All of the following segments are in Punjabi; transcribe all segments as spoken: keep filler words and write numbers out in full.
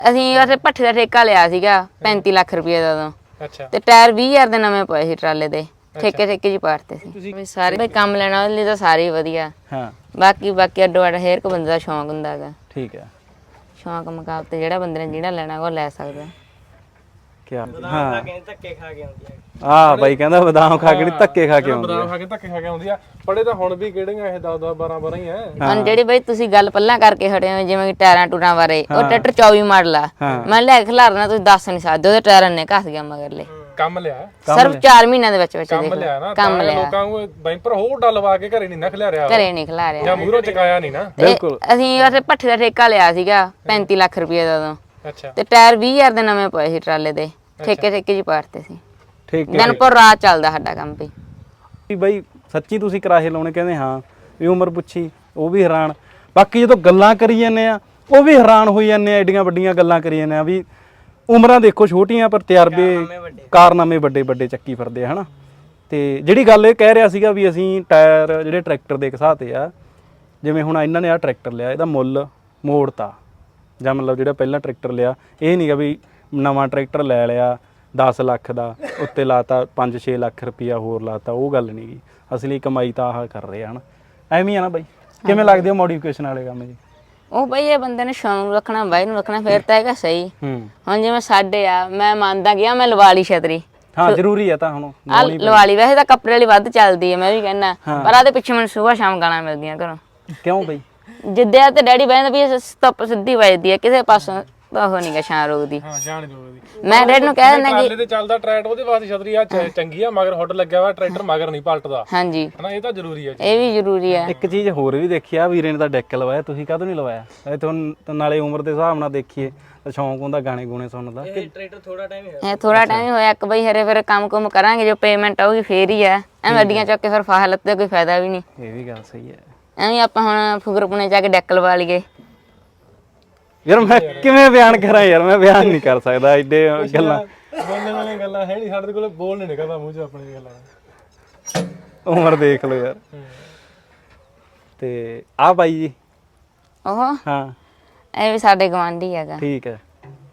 ਅਸੀਂ ਉੱਥੇ ਭੱਠੇ ਦਾ ਠੇਕਾ ਲਿਆ ਸੀਗਾ ਪੈਂਤੀ ਲੱਖ ਰੁਪਏ ਦਾ ਉਦੋਂ। ਅੱਛਾ ਤੇ ਟਾਇਰ ਵੀਹ ਹਜ਼ਾਰ ਦੇ ਨਵੇਂ ਪਏ ਸੀ ਟਰਾਲੇ ਦੇ, ਠੇਕੇ ਠੇਕੇ ਜੀ ਪਾੜਤੇ ਸੀ। ਵੀ ਸਾਰੇ ਬਈ ਕੰਮ ਲੈਣਾ ਉਹਦੇ ਲਈ ਤਾਂ ਸਾਰੇ ਹੀ ਵਧੀਆ। ਹਾਂ ਬਾਕੀ ਬਾਕੀ ਅੱਡੋ ਅੱਡ ਹਰੇਕ ਬੰਦੇ ਦਾ ਸ਼ੌਂਕ ਹੁੰਦਾ ਹੈਗਾ। ਠੀਕ ਹੈ। ਸ਼ੌਂਕ ਮੁਕਾਬਲੇ ਜਿਹੜਾ ਬੰਦੇ ਨੇ ਜਿਹੜਾ ਲੈਣਾ ਉਹ ਲੈ ਸਕਦਾ। ਕਿਆ ਹਾਂ ਧੱਕੇ ਖਾ ਕੇ ਆਉਂਦੀ ਆ। ਆਹ ਬਾਈ ਕਹਿੰਦਾ ਬਦਾਮ ਖਾ ਕੇ ਨਹੀਂ ਧੱਕੇ ਖਾ ਕੇ ਆਉਂਦੀ ਆ। ਬਦਾਮ ਖਾ ਕੇ ਧੱਕੇ ਖਾ ਕੇ ਆਉਂਦੀ ਆ। ਪੜੇ ਤਾਂ ਹੁਣ ਵੀ ਕਿਹੜੀਆਂ ਇਹ ਦਸ ਦਸ ਬਾਰਾਂ ਬਾਰਾਂ ਹੀ ਆ। ਹੁਣ ਜਿਹੜੀ ਬਈ ਤੁਸੀਂ ਗੱਲ ਪਹਿਲਾਂ ਕਰਕੇ ਹਟੇ ਹੋ ਜਿਵੇਂ ਕਿ ਟਾਇਰਾਂ ਟੂਰਾਂ ਬਾਰੇ, ਉਹ ਟਰੈਕਟਰ ਚੌਵੀ ਮਾਡਲ ਆ। ਮੈਂ ਲੈ ਕੇ ਖਿਲਾਰਨਾ ਤੁਸੀਂ ਦੱਸ ਨਹੀਂ ਸਕਦੇ, ਉਹਦੇ ਟਾਇਰਾਂ ਨੇ ਘਸ ਗਿਆ ਮਗਰਲੇ। ਕੰਮ ਲਿਆ ਸਿਰਫ ਚਾਰ ਮਹੀਨਿਆਂ ਦੇ ਵਿੱਚ ਵਿੱਚ ਕੰਮ ਲਿਆ ਨਾ ਕੰਮ ਲਿਆ। ਲੋਕਾਂ ਨੂੰ ਬੈਂਪਰ ਹੋਰ ਡਲਵਾ ਕੇ ਘਰੇ ਨਹੀਂ ਨਾ ਖਿਲਾਰਿਆ, ਘਰੇ ਨਹੀਂ ਖਿਲਾਰਿਆ ਜਾਂ ਮੂਹਰੋਂ ਚਕਾਇਆ ਨਹੀਂ ਨਾ। ਬਿਲਕੁਲ। ਅਸੀਂ ਉੱਥੇ ਭੱਠੇ ਦਾ ਠੇਕਾ ਲਿਆ ਸੀਗਾ ਪੈਂਤੀ ਲੱਖ ਰੁਪਏ ਦਾ ਉਦੋਂ। ਅੱਛਾ ਤੇ ਟਾਇਰ ਵੀਹ ਹਜ਼ਾਰ ਦੇ ਨਵੇਂ ਪਏ ਸੀ ਟਰਾਲੇ ਦੇ, ਠੇਕੇ ਠੇਕੇ ਜੀ ਪਾੜਤੇ ਸੀ। ਠੀਕ ਹੈ। ਦਿਨ ਪਰ ਰਾਤ ਚੱਲਦਾ ਸਾਡਾ ਕੰਮ ਵੀ। ਵੀ ਬਾਈ ਸੱਚੀ ਤੁਸੀਂ ਕਰਾਹੇ ਲਾਉਣੇ ਕਹਿੰਦੇ ਹਾਂ ਵੀ ਉਮਰ ਪੁੱਛੀ ਉਹ ਵੀ ਹੈਰਾਨ। ਬਾਕੀ ਜਦੋਂ ਗੱਲਾਂ ਕਰੀ ਜਾਂਦੇ ਆ ਉਹ ਵੀ ਹੈਰਾਨ ਹੋਈ ਜਾਂਦੇ ਆ, ਐਡੀਆਂ ਵੱਡੀਆਂ ਗੱਲਾਂ ਕਰੀ ਜਾਂਦੇ ਆ ਵੀ ਉਮਰਾਂ ਦੇਖੋ ਛੋਟੀਆਂ ਪਰ ਤਜਰਬੇ ਕਾਰਨਾਮੇ ਵੱਡੇ ਵੱਡੇ ਚੱਕੀ ਫਿਰਦੇ ਆ ਹਨਾ। ਤੇ ਜਿਹੜੀ ਗੱਲ ਇਹ ਕਹਿ ਰਿਹਾ ਸੀਗਾ ਵੀ ਅਸੀਂ ਟਾਇਰ ਜਿਹੜੇ ਟਰੈਕਟਰ ਦੇ ਘਸਾਤੇ ਆ, ਜਿਵੇਂ ਹੁਣ ਇਹਨਾਂ ਨੇ ਆਹ ਟਰੈਕਟਰ ਲਿਆ ਇਹਦਾ ਮੁੱਲ ਮੋੜਤਾ, ਜਾਂ ਮਤਲਬ ਜਿਹੜਾ ਪਹਿਲਾਂ ਟਰੈਕਟਰ ਲਿਆ ਇਹ ਨਹੀਂਗਾ ਵੀ ਨਵਾਂ ਟਰੈਕਟਰ ਲੈ ਲਿਆ ਦਸ ਲੱਖ ਦਾ ਉੱਤੇ ਲਾਤਾ ਪੰਜ ਛੇ ਲੱਖ ਰੁਪਈਆ ਹੋਰ ਲਾਤਾ, ਉਹ ਗੱਲ ਨਹੀਂ ਗੀ। ਅਸਲੀ ਕਮਾਈ ਤਾਂ ਆਹ ਕਰ ਰਹੇ ਹਨ। ਐਵੇਂ ਆ ਨਾ ਬਾਈ, ਕਿਵੇਂ ਲੱਗਦੇ ਹੋ ਮੋਡੀਫਿਕੇਸ਼ਨ ਵਾਲੇ ਕੰਮ ਜੀ? ਉਹ ਬਈ ਇਹ ਬੰਦੇ ਨੇ ਸ਼ੌਂਕ ਨੂੰ ਰੱਖਣਾ, ਬਾਈ ਨੂੰ ਰੱਖਣਾ, ਫਿਰ ਤਾਂ ਹੈਗਾ ਸਹੀ। ਹੂੰ ਹੁਣ ਜਿਵੇਂ ਸਾਡੇ ਆ, ਮੈਂ ਮੰਨਦਾ ਗਿਆ ਮੈਂ ਲਵਾ ਲਈ ਛਤਰੀ। ਹਾਂ ਜ਼ਰੂਰੀ ਆ ਤਾਂ ਹੁਣ ਆ ਲਵਾ ਲਈ, ਵੈਸੇ ਤਾਂ ਕੱਪੜੇ ਵਾਲੀ ਵੱਧ ਚੱਲਦੀ ਹੈ ਮੈਂ ਵੀ ਕਹਿੰਦਾ, ਪਰ ਆਦੇ ਪਿੱਛੇ ਮੈਨੂੰ ਸੁਬਾਹ ਸ਼ਾਮ ਗਾਲਾਂ ਮਿਲਦੀਆਂ ਘਰੋਂ। ਕਿਉਂ ਬਈ? ਜਿੱਦਿਆ ਤੇ ਡੈਡੀ ਬਹਿੰਦਾ ਵੀ ਧੁੱਪ ਸਿੱਧੀ ਵੱਜਦੀ ਹੈ, ਕਿਸੇ ਪਾਸੋਂ ਤਾਂ ਉਹ ਨਹੀਂ ਗਾ ਛਾਂ ਰੋਕਦੀ। ਹਾਂ ਜਾਣ ਜੋ ਉਹਦੀ। ਮੈਂ ਡੈਡੀ ਨੂੰ ਕਹਿ ਦਿੰਦਾ ਕਿ ਟਰਾਲੇ ਤੇ ਚੱਲਦਾ ਟਰੈਕਟਰ, ਉਹਦੇ ਵਾਸਤੇ ਛਤਰੀ ਆ ਚੰਗੀ ਆ, ਮਗਰ ਹੁੱਡ ਲੱਗਿਆ ਵਾ, ਟਰੈਕਟਰ ਮਗਰ ਨਹੀਂ ਪਲਟਦਾ ਹਾਂਜੀ ਹਨਾ, ਇਹ ਤਾਂ ਜ਼ਰੂਰੀ ਆ। ਇਹ ਵੀ ਜ਼ਰੂਰੀ ਹੈ। ਇੱਕ ਚੀਜ਼ ਹੋਰ ਵੀ ਦੇਖੀ ਆ, ਵੀਰੇ ਨੇ ਤਾਂ ਡੈਕ ਲਵਾਇਆ, ਤੁਸੀਂ ਕਾਹਤੋਂ ਨਹੀਂ ਲਵਾਇਆ? ਇਹ ਤੁਹਾਨੂੰ ਨਾਲੇ ਉਮਰ ਦੇ ਹਿਸਾਬ ਨਾਲ ਦੇਖੀਏ ਤਾਂ ਸ਼ੌਂਕ ਹੁੰਦਾ ਗਾਣੇ ਗੂਣੇ ਸੁਣਨ ਦਾ। ਇਹ ਥੋੜਾ ਟਾਈਮ ਹੀ ਹੋਇਆ ਇੱਕ ਬਈ, ਹਰੇ ਫਿਰ ਕੰਮ ਕੁਮ ਕਰਾਂਗੇ, ਜੋ ਪੇਮੈਂਟ ਆਊਗੀ ਫੇਰ ਹੀ ਆ। ਐਵੇਂ ਅੱਡੀਆਂ ਚੱਕ ਕੇ ਫਿਰ ਫਾਹਾ ਲੱਤੇ ਕੋਈ ਫਾਇਦਾ ਵੀ ਨਹੀਂ। ਇਹ ਵੀ ਗੱਲ ਸਹੀ ਹੈ। ਐਵੇਂ ਆਪਾਂ ਹੁਣ ਫੁਗਰਪੁਣੇ ਜਾ ਕੇ ਡੈਕ ਲਵਾ ਲਈਏ। ਯਾਰ ਮੈਂ ਕਿਵੇਂ ਬਿਆਨ ਕਰਾਂ ਯਾਰ, ਮੈਂ ਬਿਆਨ ਨਹੀਂ ਕਰ ਸਕਦਾ ਐਡੇ ਗੱਲਾਂ। ਬੋਲਣ ਵਾਲੀਆਂ ਗੱਲਾਂ ਹੈ ਨਹੀਂ ਸਾਡੇ ਕੋਲ, ਬੋਲ ਨਹੀਂ ਨਿਕਲਦਾ ਮੂੰਹ ਚੋਂ ਆਪਣੀ ਗੱਲਾਂ। ਉਮਰ ਦੇਖ ਲਓ ਯਾਰ। ਤੇ ਆ ਬਾਈ ਜੀ ਉਹ ਹਾਂ ਇਹ ਵੀ ਸਾਡੇ ਗਵਾਂਢੀ ਹੈਗਾ। ਠੀਕ ਹੈ।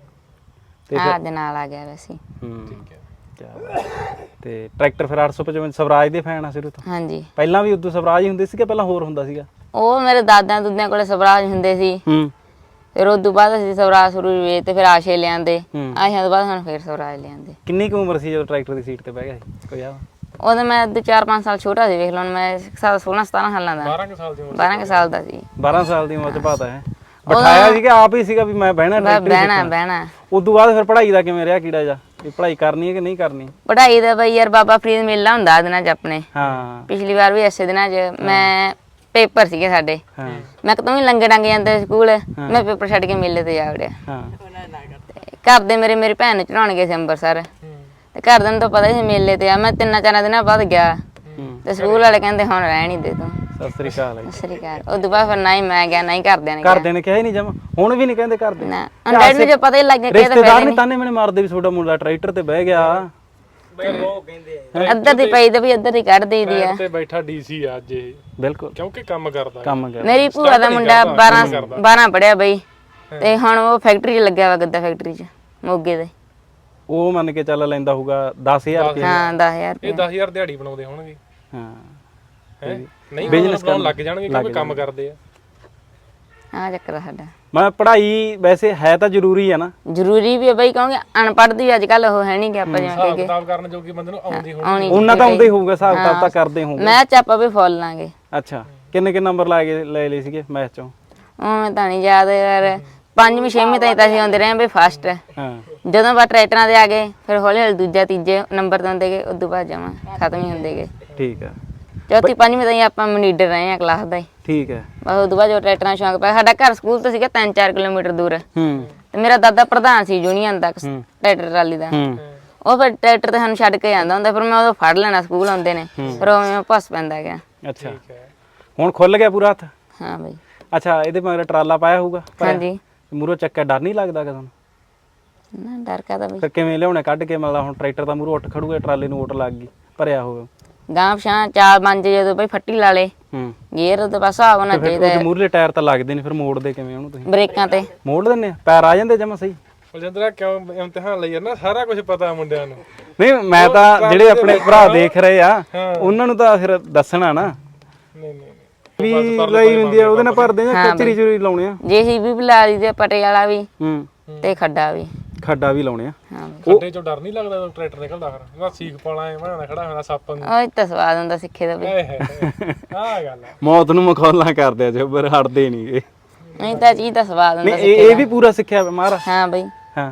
ਆਹ ਦੇ ਨਾਲ ਆ ਗਿਆ ਵੈਸੇ। ਹੂੰ ਕਿਆ ਬਾਤ। ਤੇ ਟਰੈਕਟਰ ਫਿਰ ਅੱਠ ਸੌ ਪਚਵੰਜਾ ਸਵਰਾਜ ਦੇ ਫੈਨ ਆ ਸਿਰ ਤੋਂ? ਹਾਂਜੀ। ਪਹਿਲਾਂ ਵੀ ਉਦੋਂ ਸਵਰਾਜ ਹੀ ਹੁੰਦੇ ਸੀ ਕਿ ਪਹਿਲਾਂ ਹੋਰ ਹੁੰਦਾ ਸੀਗਾ? ਉਹ ਮੇਰੇ ਦਾਦਿਆਂ ਦੁੱਦਿਆਂ ਕੋਲੇ ਸਵਰਾਜ ਹੁੰਦੇ ਸੀ। ਹੂੰ ਫਿਰ ਉਸ ਤੋਂ ਬਾਅਦ ਅਸੀਂ ਸਵਰਾਜ ਸ਼ੁਰੂ ਵੇਚ ਤੇ ਫਿਰ ਆਸ਼ੇ ਲਿਆਂਦੇ। ਆਸ਼ਿਆਂ ਤੋਂ ਬਾਅਦ ਹੁਣ ਫਿਰ ਸਵਰਾਜ ਲਿਆਂਦੇ। ਕਿੰਨੀ ਕੁ ਉਮਰ ਸੀ ਜਦੋਂ ਟਰੈਕਟਰ ਦੀ ਸੀਟ ਤੇ ਬਹਿ ਗਿਆ ਸੀ ਕੋਈ ਆ? ਉਦੋਂ ਮੈਂ ਦੋ ਚਾਰ ਪੰਜ ਸਾਲ ਛੋਟਾ ਸੀ, ਵੇਖ ਲਓ ਮੈਂ ਸੋਲਾਂ ਸਤਾਰਾਂ ਸਾਲਾਂ ਦਾ। ਬਾਰਾਂ ਕੁ ਸਾਲ ਦੀ ਉਮਰ ਬਾਰਾਂ ਕੁ ਸਾਲ ਦਾ ਸੀ। ਬਾਰਾਂ ਸਾਲ ਦੀ ਉਮਰ ਚ ਬਾਤ ਹੈ। ਬਿਠਾਇਆ ਸੀ ਕਿ ਆਪ ਹੀ ਸੀਗਾ ਵੀ ਮੈਂ ਬਹਿਣਾ ਟਰੈਕਟਰ? ਬਹਿਣਾ ਬਹਿਣਾ। ਉਸ ਤੋਂ ਬਾਅਦ ਫਿਰ ਪੜ੍ਹਾਈ ਦਾ ਕਿਵੇਂ ਰਿਹਾ ਕੀੜਾ ਜਾ, ਵੀ ਪੜ੍ਹਾਈ ਕਰਨੀ ਹੈ ਕਿ ਨਹੀਂ ਕਰਨੀ? ਪੜ੍ਹਾਈ ਦਾ ਬਈ ਯਾਰ ਬਾਬਾ ਫਰੀਦ ਮੇਲਾ ਹੁੰਦਾ ਦਿਨਾਂ ਚ ਆਪਣੇ। ਹਾਂ ਪਿਛਲੀ ਵਾਰ ਵੀ ਐਸੇ ਦਿਨਾਂ ਚ ਮੈਂ ਪੇਪਰ ਸੀਗੇ ਸਾਡੇ। ਹਾਂ ਮੈਂ ਕਦੋਂ ਵੀ ਲੰਗੇ ਡੰਗ ਜਾਂਦੇ ਸਕੂਲ, ਮੈਂ ਪੇਪਰ ਛੱਡ ਕੇ ਮੇਲੇ ਤੇ ਜਾ ਵੜਿਆ। ਹਾਂ ਘਰ ਦੇ ਮੇਰੇ ਮੇਰੀ ਭੈਣ ਨੂੰ ਚੜਾਉਣ ਗਏ ਸੀ ਅੰਮ੍ਰਿਤਸਰ, ਤੇ ਘਰ ਦੇ ਨੂੰ ਤਾਂ ਪਤਾ ਹੀ ਸੀ ਮੇਲੇ ਤੇ ਆ। ਮੈਂ ਤਿੰਨਾਂ ਚਾਰਾਂ ਦਿਨਾਂ ਬਾਅਦ ਗਿਆ ਤੇ ਸਕੂਲ ਵਾਲੇ ਕਹਿੰਦੇ ਹੁਣ ਰਹਿਣ ਹੀ ਦੇ ਤੂੰ। ਸਤਿ ਸ੍ਰੀ ਅਕਾਲ। ਸਤਿ ਸ੍ਰੀ ਅਕਾਲ। ਉਸ ਤੋਂ ਬਾਅਦ ਫਿਰ ਨਾ ਹੀ ਮੈਂ ਗਿਆ ਨਾ ਹੀ ਘਰਦਿਆਂ ਨੇ ਘਰਦਿਆਂ ਨੇ ਕਿਹਾ ਹੀ ਨਹੀਂ ਜਮਾ? ਹੁਣ ਵੀ ਨਹੀਂ ਕਹਿੰਦੇ ਘਰਦੇ? ਨਾ ਡੈਡੀ ਨੂੰ ਜੇ ਪਤਾ ਹੀ ਲੱਗ ਗਿਆ ਕਿ ਰਿਸ਼ਤੇਦਾਰ ਨਹੀਂ ਤਾਨੇ ਮੈਨੇ ਮਾਰਦੇ ਵੀ ਤੁਹਾਡਾ ਮੁੰਡਾ ਟਰੈਕਟਰ ਤੇ ਬਹਿ ਗਿਆ? ਅੱਧਰ ਦੀ ਪਈ ਤੇ ਵੀ ਅੱਧਰ ਹੀ ਕੱਢ ਦੇਈਦੀ ਆ। ਤੇ ਬੈਠਾ ਡੀਸੀ ਆ ਅੱਜ ਇਹ, ਬਿਲਕੁਲ ਕਿਉਂਕਿ ਕੰਮ ਕਰਦਾ ਕੰਮ ਕਰ। ਮੇਰੀ ਭੂਆ ਦਾ ਮੁੰਡਾ ਬਾਰਾਂ ਬਾਰਾਂ ਪੜਿਆ ਬਈ, ਤੇ ਹੁਣ ਉਹ ਫੈਕਟਰੀ 'ਚ ਲੱਗਿਆ ਵਾ, ਗੱਦਾ ਫੈਕਟਰੀ 'ਚ ਮੋਗੇ ਦੇ। ਉਹ ਮੰਨ ਕੇ ਚੱਲ ਲੈਂਦਾ ਹੋਊਗਾ ਦਸ ਹਜ਼ਾਰ ਰੁਪਏ। ਹਾਂ ਦਸ ਹਜ਼ਾਰ ਇਹ ਦਸ ਹਜ਼ਾਰ ਦਿਹਾੜੀ ਬਣਾਉਂਦੇ ਹੋਣਗੇ। ਹਾਂ ਹੈ ਨਹੀਂ ਬਿਜ਼ਨਸ ਕਰਨ ਲੱਗ ਜਾਣਗੇ ਕਿਉਂਕਿ ਕੰਮ ਕਰਦੇ ਆ। ਆ ਚੱਕਰ ਆ ਸਾਡਾ। ਮੈਂ ਪੜ੍ਹਾਈ ਵੈਸੇ ਹੈ ਤਾਂ ਜ਼ਰੂਰੀ ਹੈ ਨਾ? ਜ਼ਰੂਰੀ ਵੀ ਹੈ ਬਈ, ਕਿਉਂਕਿ ਅਨਪੜ੍ਹ ਦੀ ਅੱਜ ਕੱਲ ਉਹ ਹੈ ਨਹੀਂ ਕਿ ਆਪਾਂ ਜਿਵੇਂ ਹਿਸਾਬ ਕਿ ਕਿਤਾਬ ਕਰਨ ਜੋਗੀ ਬੰਦੇ ਨੂੰ ਆਉਂਦੀ ਹੋਣੀ। ਉਹਨਾਂ ਤਾਂ ਆਉਂਦਾ ਹੀ ਹੋਊਗਾ, ਹਿਸਾਬ ਕਿਤਾਬ ਤਾਂ ਕਰਦੇ ਹੋਊਗੇ। ਮੈਥ 'ਚ ਆਪਾਂ ਵੀ ਫੁੱਲ ਲਾਂਗੇ। ਅੱਛਾ ਕਿੰਨੇ ਕਿੰਨੇ ਨੰਬਰ ਲਾ ਕੇ ਲੈ ਲਏ ਸੀਗੇ ਮੈਥ ਚੋਂ? ਉਹ ਤਾਂ ਨਹੀਂ ਯਾਦ ਯਾਰ, ਪੰਜਵੀਂ ਛੇਵੀਂ ਤਾਈਂ ਤਾਂ ਅਸੀਂ ਆਉਂਦੇ ਰਹੇ ਬਈ ਫਸਟ। ਹਾਂ ਜਦੋਂ ਬਾਅਦ ਟਰੈਕਟਰਾਂ ਦੇ ਆ ਗਏ ਫਿਰ ਹੌਲੀ ਹੌਲੀ ਦੂਜਾ ਤੀਜੇ ਨੰਬਰ ਤੋਂ ਹੁੰਦੇ ਗਏ, ਉਸ ਤੋਂ ਬਾਅਦ ਜਮਾ ਖਤਮ ਹੀ ਹੁੰਦੇ ਗਏ। ਠੀਕ ਆ। ਚੌਥੀ ਪੰਜਵੀਂ ਤਾਈਂ ਆਪਾਂ ਮਨੀਡਰ ਰਹੇ ਆ ਕਲਾਸ ਦਾ ਹੀ। ਠੀਕ ਹੈ। ਬਸ ਉਸ ਤੋਂ ਬਾਅਦ ਜੋ ਟਰੈਕਟਰਾਂ ਸ਼ੌਂਕ ਪਿਆ, ਸਾਡਾ ਘਰ ਸਕੂਲ ਤੋਂ ਸੀਗਾ ਤਿੰਨ ਚਾਰ ਕਿਲੋਮੀਟਰ ਦੂਰ, ਹੂੰ ਤੇ ਮੇਰਾ ਦਾਦਾ ਪ੍ਰਧਾਨ ਸੀ ਯੂਨੀਅਨ ਦਾ ਟਰੈਕਟਰ ਟਰਾਲੀ ਦਾ। ਹੂੰ ਉਹ ਫਿਰ ਟਰੈਕਟਰ ਤੇ ਸਾਨੂੰ ਛੱਡ ਕੇ ਜਾਂਦਾ ਹੁੰਦਾ, ਫਿਰ ਮੈਂ ਉਦੋਂ ਫੜ ਲੈਣਾ ਸਕੂਲ ਆਉਂਦੇ ਨੇ, ਫਿਰ ਉਹ ਭੱਸ ਪੈਂਦਾ ਗਿਆ। ਅੱਛਾ ਹੁਣ ਖੁੱਲ ਗਿਆ ਪੂਰਾ ਹੱਥ? ਹਾਂ ਬਈ। ਅੱਛਾ ਇਹਦੇ ਮਗਰ ਟਰਾਲਾ ਪਾਇਆ ਹੋਊਗਾ? ਹਾਂਜੀ। ਮੂਹਰੋਂ ਚੱਕਾ ਡਰ ਨਹੀਂ ਲੱਗਦਾ ਕਿ ਤੁਹਾਨੂੰ? ਨਾ ਡਰ ਕਾਹਦਾ ਬਈ। ਫਿਰ ਕਿਵੇਂ ਲਿਆਉਣੇ ਕੱਢ ਕੇ? ਮਤਲਬ ਹੁਣ ਟਰੈਕਟਰ ਦਾ ਮੂਹਰੋਂ ਉੱਠ ਖੜੂਗਾ, ਟਰਾਲੇ ਨੂੰ ਓਟ ਲੱਗ ਗਈ, ਭਰਿਆ ਹੋਵੇ ਗਾਂ ਪਛਾਂ ਚਾਲ ਬਣ ਜੇ ਜਦੋਂ ਬਈ ਫੱਟੀ ਲਾ ਲੇ ਹੂੰ ਗੇਅਰ ਦਾ ਬਸ ਹਿਸਾਬ ਹੋਣਾ ਚਾਹੀਦਾ ਉਹ ਮੂਰਲੇ ਟਾਇਰ ਤਾਂ ਲੱਗਦੇ ਨੇ ਫਿਰ ਮੋੜਦੇ ਕਿਵੇਂ ਉਹਨੂੰ ਤੁਸੀਂ ਬ੍ਰੇਕਾਂ ਤੇ ਮੋੜ ਦਿੰਦੇ ਆ ਪੈਰ ਆ ਜਾਂਦੇ ਜਮਾ ਸਹੀ ਬਲਜਿੰਦਰਾ ਕਿਉਂ ਇਮਤਿਹਾਨ ਲਈ ਨਾ ਸਾਰਾ ਕੁਝ ਪਤਾ ਮੁੰਡਿਆਂ ਨੂੰ ਨਹੀਂ ਮੈਂ ਤਾਂ ਜਿਹੜੇ ਆਪਣੇ ਭਰਾ ਦੇਖ ਰਹੇ ਆ ਉਹਨਾਂ ਨੂੰ ਤਾਂ ਫਿਰ ਦੱਸਣਾ ਨਾ ਨਹੀਂ ਨਹੀਂ ਵੀ ਲਈ ਹੁੰਦੀ ਆ ਉਹਦੇ ਨਾਲ ਭਰਦੇ ਆ ਕਚਰੀ ਚੁਰੀ ਲਾਉਣੇ ਆ ਜੇਸੀਬੀ ਵੀ ਲਾ ਲਈ ਤੇ ਪਟੇ ਵਾਲਾ ਵੀ ਹੂੰ ਤੇ ਖੱਡਾ ਵੀ ਖੱਡਾ ਵੀ ਲਾਉਣੇ ਆ ਹਾਂ ਖੱਡੇ ਚੋਂ ਡਰ ਨਹੀਂ ਲੱਗਦਾ ਜਦੋਂ ਟਰੈਕਟਰ ਨਿਕਲਦਾ ਫਿਰ ਉਹਦਾ ਸੀਖ ਪਾਲਾ ਐ ਬਣਾਣਾ ਖੜਾ ਹੋਣਾ ਸੱਪ ਨੂੰ ਉਹ ਤਾਂ ਸਵਾਦ ਹੁੰਦਾ ਸਿੱਖੇ ਦਾ ਵੀ ਆਹ ਗੱਲ ਆ ਮੌਤ ਨੂੰ ਮਖੌਲਾਂ ਕਰਦੇ ਆ ਜੱਬਰ ਹਟਦੇ ਨਹੀਂਗੇ ਨਹੀਂ ਤਾਂ ਚੀਜ਼ ਤਾਂ ਸਵਾਦ ਹੁੰਦਾ ਨਹੀਂ ਇਹ ਇਹ ਵੀ ਪੂਰਾ ਸਿੱਖਿਆ ਮਾਰ ਹਾਂ ਬਈ ਹਾਂ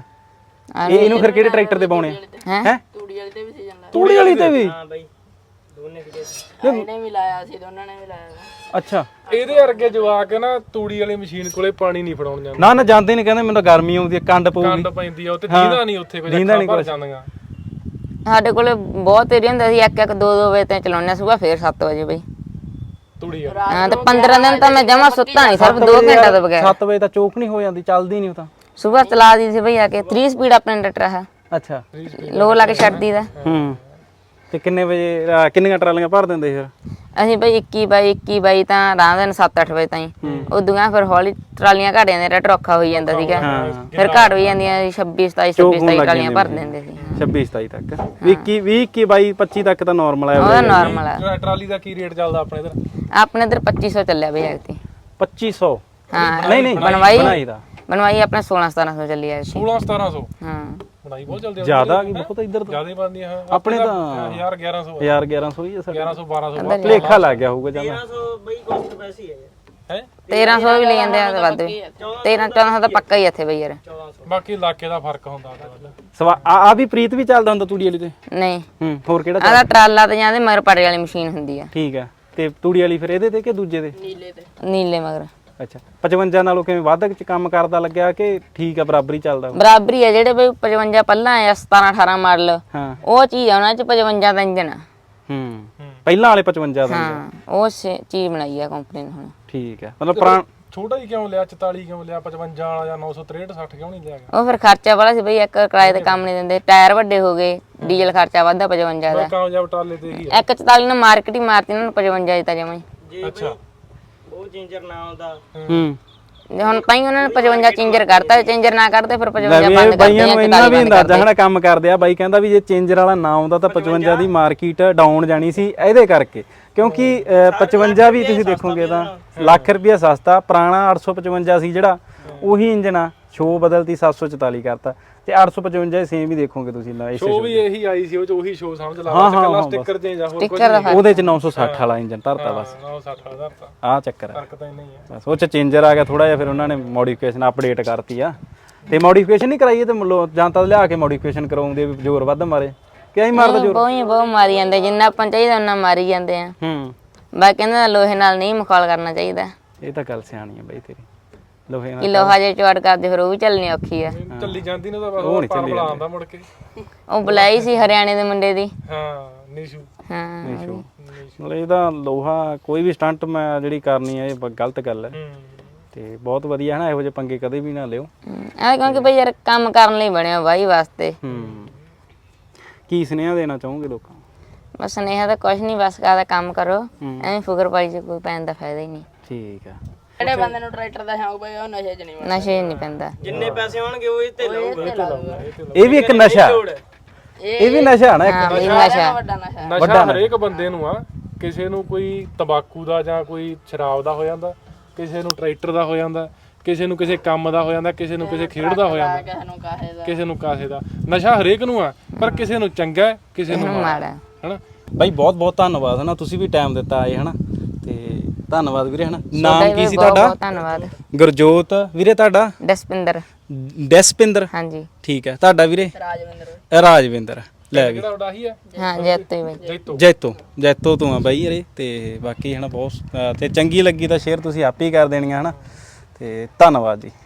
ਇਹ ਇਹਨੂੰ ਫਿਰ ਕਿਹੜੇ ਟਰੈਕਟਰ ਤੇ ਪਾਉਣੇ ਆ ਹੈ ਤੂੜੀ ਵਾਲੀ ਤੇ ਵੀ ਸੀਜ਼ਨ ਲਾਇਆ ਤੂੜੀ ਵਾਲੀ ਤੇ ਵੀ ਹਾਂ ਬਾਈ ਦੋਨੇ ਕਿਤੇ ਇਹਨੇ ਵੀ ਲਾਇਆ ਸੀ ਦੋਨਾਂ ਨੇ ਵੀ ਲਾਇਆ ਅੱਛਾ ਇਹਦੇ ਵਰਗੇ ਜਵਾਕ ਨਾ ਤੂੜੀ ਵਾਲੀ ਮਸ਼ੀਨ ਕੋਲੇ ਪਾਣੀ ਨਹੀਂ ਫੜਾਉਣ ਜਾਂਦੇ ਨਾ ਨਾ ਜਾਂਦੇ ਨਹੀਂ ਕਹਿੰਦੇ ਮੈਨੂੰ ਤਾਂ ਗਰਮੀ ਆਉਂਦੀ ਹੈ ਕੰਡ ਪਊਗੀ ਕੰਡ ਪੈਂਦੀ ਆ ਉੱਤੇ ਦੀਦਾ ਨਹੀਂ ਉੱਥੇ ਕੋਈ ਦੀਂਦਾ ਨੀ ਭਰ ਜਾਂਦੀਆਂ ਸਾਡੇ ਕੋਲੇ ਬਹੁਤ ਏਰੀਆ ਹੁੰਦਾ ਸੀ ਇੱਕ ਇੱਕ ਦੋ ਦੋ ਵਜੇ ਤੱਕ ਚਲਾਉਂਦੇ ਸੁਬਾ ਫੇਰ ਸੱਤ ਵਜੇ ਬਈ ਤੂੜੀ ਆ ਹਾਂ ਤੇ ਪੰਦਰਾਂ ਦਿਨ ਤਾਂ ਮੈਂ ਜਮਾ ਸੁੱਤਾ ਨਹੀਂ ਸਿਰਫ ਦੋ ਘੰਟੇ ਤੋਂ ਬਗੈਰ ਸੱਤ ਵਜੇ ਤਾਂ ਚੋਕ ਨਹੀਂ ਹੋ ਜਾਂਦੀ ਚੱਲਦੀ ਨਹੀਂ ਉਹ ਤਾਂ ਸੁਬਾ ਚਲਾ ਦੀ ਸੀ ਬਈ ਆ ਕੇ तीस ਸਪੀਡ ਆਪਣੇ ਟਰੈਕਟਰ ਹੈ ਅੱਛਾ ਲੋ ਲਾ ਕੇ ਛੱਡ ਦੀਦਾ ਹੂੰ ਤੇ ਕਿੰਨੇ ਵਜੇ ਅਹ ਕਿੰਨੀਆਂ ਟਰਾਲੀਆਂ ਭਰ ਦਿੰਦੇ ਫਿਰ ਅਸੀਂ ਬਈ ਇੱਕੀ ਬਾਈ ਇੱਕੀ ਬਾਈ ਤਾਂ ਰਾਹ ਦਿਨ ਸੱਤ ਅੱਠ ਵਜੇ ਤਾਈਂ ਉਦੋਂ ਫਿਰ ਹੌਲੀ ਟਰਾਲੀਆਂ ਘਟ ਜਾਂਦੇ ਟਰੈਕਟਰ ਔਖਾ ਹੋਈ ਜਾਂਦਾ ਸੀਗਾ ਫਿਰ ਘਟ ਹੋਈ ਜਾਂਦੀਆਂ ਛੱਬੀ ਸਤਾਈ ਛੱਬੀ ਸਤਾਈ ਟਰਾਲੀਆਂ ਭਰ ਦਿੰਦੇ ਸੀ ਛੱਬੀ ਸਤਾਈ ਤੱਕ ਵੀਹ ਵੀਹ ਇੱਕੀ ਬਾਈ ਪੱਚੀ ਤੱਕ ਤਾਂ ਨਾਰਮਲ ਆ ਉਹਦਾ ਨਾਰਮਲ ਆ ਟਰਾ- ਟਰਾਲੀ ਦਾ ਕੀ ਰੇਟ ਚੱਲਦਾ ਆਪਣੇ ਇਧਰ ਆਪਣੇ ਇਧਰ ਪੱਚੀ ਸੌ ਚੱਲਿਆ ਬਈ ਐਕਤੀ ਪੱਚੀ ਸੌ ਹਾਂ ਨਹੀਂ ਨਹੀਂ ਬਣਵਾਈ ਬਣਾਈ ਦਾ ਬਣਵਾਈ ਆਪਣੇ ਸੋਲਾਂ ਸਤਾਰਾਂ ਸੌ ਚੱਲੀ ਐਕਤੀ ਸੋਲਾਂ ਸਤਾਰਾਂ ਸੌ ਹਾਂ ਬਣਾਈ ਬਹੁਤ ਚੱਲਦੀ ਆ ਜ਼ਿਆਦਾ ਕੀ ਬਹੁਤ ਇੱਧਰ ਤਾਂ ਜਿਆਦਾ ਬੰਦੀ ਆ ਆਪਣੇ ਤਾਂ ਹਜ਼ਾਰ ਗਿਆਰਾਂ ਸੌ ਹਜ਼ਾਰ ਗਿਆਰਾਂ ਸੌ ਹੀ ਆ ਸਾਡੇ ਗਿਆਰਾਂ ਸੌ ਬਾਰਾਂ ਸੌ ਭਲੇਖਾ ਲੱਗ ਗਿਆ ਹੋਊਗਾ ਜਮਾ ਸੌ ਬਈ ਕੋਸਟ ਪੈਸੀ ਹੈ ਹੈ ਤੇਰਾਂ ਸੌ ਵੀ ਲੈ ਜਾਂਦੇ ਆ ਤੇ ਵੱਧ ਵੀ ਤੇਰਾਂ ਚੌਦਾਂ ਸੌ ਤਾਂ ਪੱਕਾ ਹੀ ਇੱਥੇ ਬਈ ਯਾਰ ਬਾਕੀ ਇਲਾਕੇ ਦਾ ਫਰਕ ਹੁੰਦਾ ਸਵਾ ਆ ਆ ਵੀ ਪ੍ਰੀਤ ਵੀ ਚੱਲਦਾ ਹੁੰਦਾ ਤੂੜੀ ਵਾਲੀ ਤੇ ਨਹੀਂ ਹੂੰ ਹੋਰ ਕਿਹੜਾ ਆਦਾ ਟਰਾਲਾ ਤੇ ਜਾਂਦੇ ਮਗਰ ਪੜੇ ਵਾਲੀ ਮਸ਼ੀਨ ਹੁੰਦੀ ਆ ਠੀਕ ਆ ਤੇ ਤੂੜੀ ਵਾਲੀ ਫਿਰ ਇਹਦੇ ਤੇ ਕਿ ਦੂਜੇ ਤੇ ਨੀਲੇ ਤੇ ਨੀਲੇ ਮਗਰ ਅੱਛਾ ਪਚਵੰਜਾ ਨਾਲੋਂ ਕਿਵੇਂ ਵੱਧ ਚ ਕੰਮ ਕਰਦਾ ਲੱਗਿਆ ਕਿ ਠੀਕ ਆ ਬਰਾਬਰੀ ਚੱਲਦਾ ਉਹ? ਬਰਾਬਰੀ ਆ ਜਿਹੜੇ ਬਈ ਪਚਵੰਜਾ ਪਹਿਲਾਂ ਆ ਸਤਾਰਾਂ ਅਠਾਰਾਂ ਮਾਡਲ ਹਾਂ ਉਹ ਚੀਜ਼ ਆ ਉਹਨਾਂ ਚ ਪਚਵੰਜਾ ਦਾ ਇੰਜਨ ਆ ਹੂੰ ਪਹਿਲਾਂ ਵਾਲੇ ਪਚਵੰਜਾ ਦਾ ਹਾਂ ਉਹ ਸੇ- ਚੀਜ਼ ਬਣਾਈ ਆ ਕੰਪਨੀ ਨੇ ਹੁਣ ਠੀਕ ਆ ਮਤਲਬ ਪੁਰਾਣ ਛੋਟਾ ਹੀ ਕਿਉਂ ਲਿਆ ਚੁਤਾਲੀ ਕਿਉਂ ਲਿਆ ਪਚਵੰਜਾ ਵਾਲਾ ਜਾਂ ਨੌ ਸੌ ਤਰੇਹਠ ਸੱਠ ਕਿਉਂ ਨਹੀਂ ਲਿਆ ਗਿਆ ਉਹ ਫਿਰ ਖਰਚਾ ਵਾਲਾ ਸੀ ਬਈ ਇੱਕ ਕਿਰਾਏ ਤੇ ਕੰਮ ਨਹੀਂ ਦਿੰਦੇ ਟਾਇਰ ਵੱਡੇ ਹੋ ਗਏ ਡੀਜ਼ਲ ਖਰਚਾ ਵੱਧਦਾ ਪਚਵੰਜਾ ਦਾ ਕਾਮਯਾਬ ਟਰਾਲੇ ਤੇ ਹੀ ਆ ਇੱਕ ਚਤਾਲੀ ਨੂੰ ਮਾਰਕੀਟ ਹੀ ਮਾਰਤੀ ਉਹਨਾਂ ਨੂੰ ਪਚਵੰਜਾ ਦਿੱਤਾ ਜਮਾਂ ਹੀ ਅੱਛਾ ਉਹ ਜਿੰਜਰ ਨਾ ਆਉਂਦਾ ਹੂੰ ਜੇ ਹੁਣ ਤਾਂ ਹੀ ਉਹਨਾਂ ਨੇ ਪਚਵੰਜਾ ਚੇਂਜਰ ਕਰਤਾ ਚੇਂਜਰ ਨਾ ਕਰਦੇ ਫਿਰ ਪਚਵੰਜਾ ਲੈ ਵੀ ਬੰਦ ਇਹ ਕਰਦੇ ਬਾਈਆਂ ਜਾਂ ਨੂੰ ਇੰਨਾ ਇਕਤਾਲੀ ਵੀ ਬੰਦ ਅੰਦਾਜ਼ਾ ਕਰਦੇ ਹਨਾ ਕੰਮ ਕਰਦੇ ਆ ਬਾਈ ਕਹਿੰਦਾ ਵੀ ਜੇ ਚੇਂਜਰ ਵਾਲਾ ਨਾ ਆਉਂਦਾ ਤਾਂ ਪਚਵੰਜਾ ਦੀ ਮਾਰਕੀਟ ਡਾਊਨ ਜਾਣੀ ਸੀ ਇਹਦੇ ਕਰਕੇ ਕਿਉਂਕਿ ਅਹ, ਪਚਵੰਜਾ ਵੀ ਤੁਸੀਂ ਦੇਖੋਗੇ ਤਾਂ ਲੱਖ ਰੁਪਇਆ ਸਸਤਾ ਪੁਰਾਣਾ ਅੱਠ ਸੌ ਪਚਵੰਜਾ ਸੀ ਜਿਹੜਾ ਉਹੀ ਇੰਜਨ ਆ ਸ਼ੋ ਬਦਲਤੀ ਸੱਤ ਸੌ ਚੁਤਾਲੀ ਕਰਤਾ ਤੇ ਅੱਠ ਸੌ ਪਚਵੰਜਾ ਸੇਮ ਹੀ ਦੇਖੋਗੇ ਤੁਸੀਂ ਨਾ ਇਸੇ ਸ਼ੋ ਵੀ ਇਹੀ ਆਈ ਸੀ ਉਹ ਚ ਉਹੀ ਸ਼ੋ ਸਮਝ ਲਾ ਹਾਂ, ਬਸ ਹਾਂ, ਕੱਲਾ ਹਾਂ, ਸਟicker ਚੇਂਜ ਆ ਹੋਰ ਕੁਝ ਸਟicker ਦਾ ਉਹਦੇ ਚ ਨੌ ਸੌ ਸੱਠ ਵਾਲਾ ਇੰਜਨ ਧਰਤਾ ਬਸ ਨੌ ਸੌ ਸੱਠ ਹਜ਼ਾਰ ਤਾਂ ਆਹ ਚੱਕਰ ਆ ਫਰਕ ਤਾਂ ਇੰਨਾ ਹੀ ਆ ਬਸ ਉਹ ਚ ਚੇਂਜਰ ਆ ਗਿਆ ਥੋੜਾ ਜਿਹਾ ਫਿਰ ਉਹਨਾਂ ਨੇ ਮੋਡੀਫਿਕੇਸ਼ਨ ਅਪਡੇਟ ਕਰਤੀ ਆ ਤੇ ਮੋਡੀਫਿਕੇਸ਼ਨ ਨਹੀਂ ਕਰਾਈ ਤੇ ਮਤਲਬ ਜਾਂ ਤਾਂ ਲਿਆ ਕੇ ਮੋਡੀਫਿਕੇਸ਼ਨ ਕਰਾਉਂਦੇ ਵੀ ਜ਼ੋਰ ਵੱਧ ਮਾਰੇ ਕਿ ਐਂ ਮਾਰਦਾ ਜ਼ੋਰ ਬਹੁਤ ਹੀ ਬਹੁਤ ਮਾਰੀ ਜਾਂਦੇ ਜਿੰਨਾ ਆਪਾਂ ਚਾਹੀਦਾ ਉਹਨਾਂ ਮਾਰੀ ਜਾਂਦੇ ਆ ਹੂੰ ਬਾਕੀ ਕਹਿੰਦੇ ਲੋਹੇ ਨਾਲ ਨਹੀਂ ਮਖੌਲ ਕਰਨਾ ਚਾਹੀਦਾ ਇਹ ਤਾਂ ਗੱਲ ਸਿਆਣੀ ਆ ਬਈ ਤੇਰੀ ਲੋਹੇ ਨਾਲ ਕਿ ਲੋਹਾ ਜੇ ਚੌੜ ਕਰਦੇ ਫਿਰ ਉਹ ਵੀ ਚੱਲਣੀ ਔਖੀ ਆ ਚੱਲੀ ਜਾਂਦੀ ਨੇ ਤਾਂ ਬਸ ਉਹ ਪਾਰ ਆਉਂਦਾ ਮੁੜ ਕੇ ਉਹ ਬੁਲਾਈ ਸੀ ਹਰਿਆਣੇ ਦੇ ਮੁੰਡੇ ਦੀ ਹਾਂ ਨੀਸ਼ੂ ਹਾਂ ਮਤਲਬ ਇਹਦਾ ਲੋਹਾ ਕੋਈ ਵੀ ਸਟੰਟ ਮੈਂ ਜਿਹੜੀ ਕਰਨੀ ਹੈ ਇਹ ਬ- ਗਲਤ ਗੱਲ ਹੈ ਹੂੰ ਤੇ ਬਹੁਤ ਵਧੀਆ ਹੈ ਨਾ ਇਹੋ ਜਿਹੇ ਪੰਗੇ ਕਦੇ ਵੀ ਨਾ ਲਿਓ ਆ ਕਿਉਂਕਿ ਬਈ ਯਾਰ ਕੰਮ ਕਰਨ ਲਈ ਬਣਿਆ ਬਾਈ ਵਾਸਤੇ ਹੂੰ ਕੀ ਸੁਨੇਹਾ ਦੇਣਾ ਚਾਹੋਗੇ ਲੋਕਾਂ ਨੂੰ? ਬਸ ਸੁਨੇਹਾ ਤਾਂ ਕੁਛ ਨਹੀਂ ਬਸ ਕਾਹਦਾ ਕੰਮ ਕਰੋ ਐਵੇਂ ਫੁਕਰ ਪਾਈ ਚ ਕੋਈ ਪੈਣ ਦਾ ਫਾਇਦਾ ਹੀ ਨਹੀਂ ਠੀਕ ਆ ਜਿਹੜੇ ਬੰਦੇ ਨੂੰ ਟਰੈਕਟਰ ਦਾ ਸ਼ੌਂਕ ਪਈ ਉਹ ਨਸ਼ੇ 'ਚ ਨਹੀਂ ਵੜਦਾ ਨਸ਼ੇ ਨਹੀਂ ਪੈਂਦਾ ਜਿੰਨੇ ਪੈਸੇ ਹੋਣਗੇ ਉਹ ਇਹ ਤੇ ਲਾਊਗਾ ਇਹ ਵੀ ਇੱਕ ਨਸ਼ਾ ਇਹ ਵੀ ਨਸ਼ਾ ਨਾ ਇੱਕ ਹਾਂ ਬਈ ਨਸ਼ਾ ਵੱਡਾ ਨਸ਼ਾ ਨਸ਼ਾ ਹਰੇਕ ਬੰਦੇ ਨੂੰ ਆ ਕਿਸੇ ਨੂੰ ਕੋਈ ਤੰਬਾਕੂ ਦਾ ਜਾਂ ਕੋਈ ਸ਼ਰਾਬ ਦਾ ਹੋ ਜਾਂਦਾ ਕਿਸੇ ਨੂੰ ਟਰੈਕਟਰ ਦਾ ਹੋ ਜਾਂਦਾ ਕਿਸੇ ਨੂੰ ਕਿਸੇ ਕੰਮ ਦਾ ਹੋ ਜਾਂਦਾ ਕਿਸੇ ਨੂੰ ਕਿਸੇ ਖੇਡ ਦਾ ਹੋ ਜਾਂਦਾ ਕਿਸੇ ਨੂੰ ਕਾਹੇ ਦਾ ਕਿਸੇ ਨੂੰ ਕਾਸੇ ਦਾ ਨਸ਼ਾ ਹਰੇਕ ਨੂੰ ਆ ਪਰ ਕਿਸੇ ਨੂੰ ਚੰਗਾ ਹੈ, ਕਿਸੇ ਨੂੰ ਮਾੜਾ ਮਾੜਾ ਹਨਾ ਬਾਈ ਬਹੁਤ ਬਹੁਤ ਧੰਨਵਾਦ ਹਨਾ ਤੁਸੀਂ ਵੀ ਟਾਈਮ ਦਿੱਤਾ ਆਏ ਹਨਾ ਤੇ ਧੰਨਵਾਦ ਵੀਰੇ ਹਨਾ ਨਾਮ ਤੁਹਾਡਾ ਕੀ ਵੀ ਸੀ ਬਹੁਤ ਤੁਹਾਡਾ ਬਹੁਤ ਧੰਨਵਾਦ ਗੁਰਜੋਤ ਵੀਰੇ ਤੁਹਾਡਾ ਦਸਪਿੰਦਰ ਡੈਸਪਿੰਦਰ ਹਾਂਜੀ ਠੀਕ ਹੈ ਤੁਹਾਡਾ ਵੀਰੇ ਰਾਜਵਿੰਦਰ ਰਾਜਵਿੰਦਰ ਲੈ ਵੀ ਜਿਹੜਾ ਉਹਦਾ ਹੀ ਹੈ ਹਾਂ ਜੈਤੋ ਹੀ ਬਈ ਜੈਤੋ ਜੈਤੋ ਜੈਤੋ ਤੋਂ ਆ ਬਾਈ ਯਾਰੇ ਤੇ ਬਾਕੀ ਹਨਾ ਬਹੁਤ ਅਹ ਤੇ ਚੰਗੀ ਲੱਗੀ ਤਾਂ ਸ਼ੇਅਰ ਤੁਸੀਂ ਆਪੇ ਹੀ ਕਰ ਦੇਣੀਆਂ ਹਨਾ ਤੇ ਧੰਨਵਾਦ ਜੀ।